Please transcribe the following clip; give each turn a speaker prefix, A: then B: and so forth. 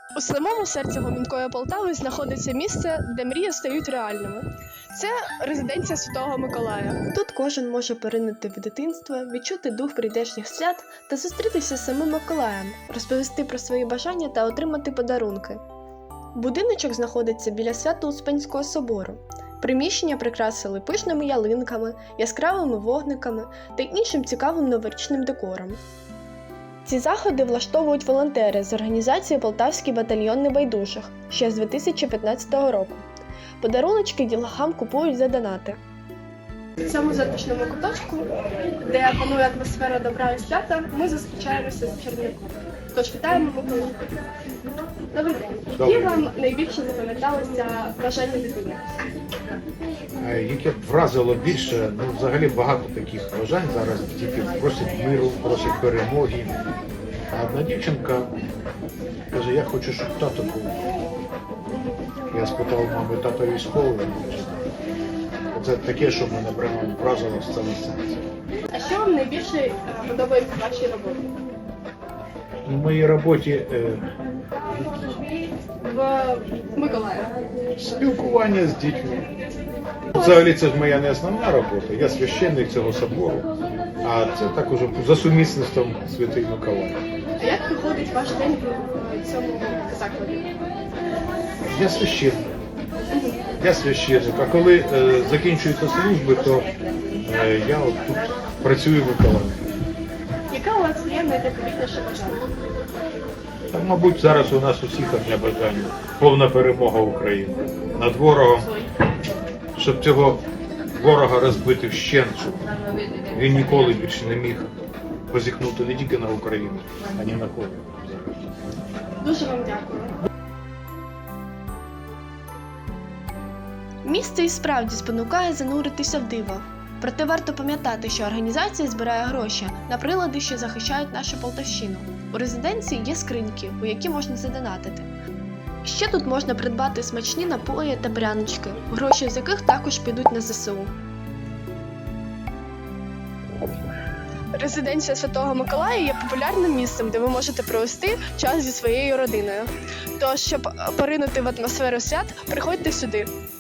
A: У самому серці гомінкої Полтави знаходиться місце, де мрії стають реальними. Це резиденція Святого Миколая. Тут кожен може поринути в дитинство, відчути дух прийдешніх свят та зустрітися з самим Миколаєм, розповісти про свої бажання та отримати подарунки. Будиночок знаходиться біля Свято-Успенського собору. Приміщення прикрасили пишними ялинками, яскравими вогниками та іншим цікавим новорічним декором. Ці заходи влаштовують волонтери з організації «Полтавський батальйон небайдужих» ще з 2015 року. Подаруночки дітлахам купують за донати. В цьому затишному куточку, де панує атмосфера добра і свята, ми зустрічаємося з чарівником. Тож вітаємо Миколу. Добрий день. Які вам найбільше запам'яталися бажання дитини?
B: Яке вразило більше, взагалі багато таких бажань зараз. Діти просять миру, просять перемоги. А одна дівчинка каже, я хочу, щоб тато був. Я спитав мами, тато військовий. Це таке, що мене прямо вразило з цього серця.
A: А що вам найбільше подобається в вашій роботі?
B: В моїй роботі
A: В Миколаєві.
B: спілкування з дітьми. Взагалі це ж моя не основна робота, я священник цього собору, а це так уже за сумісництвом Святий Миколай.
A: А як проходить ваш день в цьому закладі?
B: Я священник. Я священник. А коли закінчуються служби, то я от тут працюю в Миколаєві.
A: Яка у вас є найдивовижніше бажання?
B: Так, мабуть, зараз у нас усіх одне бажання. Повна перемога України над ворогом, щоб цього ворога розбити вщент, щоб він ніколи більше не міг позіхнути не тільки на Україну, а ні на кого.
A: Дуже вам дякую. Місце і справді спонукає зануритися в диво. Проте варто пам'ятати, що організація збирає гроші на прилади, що захищають нашу Полтавщину. У резиденції є скриньки, у які можна задонатити. Ще тут можна придбати смачні напої та прянички, гроші з яких також підуть на ЗСУ. Резиденція Святого Миколая є популярним місцем, де ви можете провести час зі своєю родиною. Тож, щоб поринути в атмосферу свят, приходьте сюди.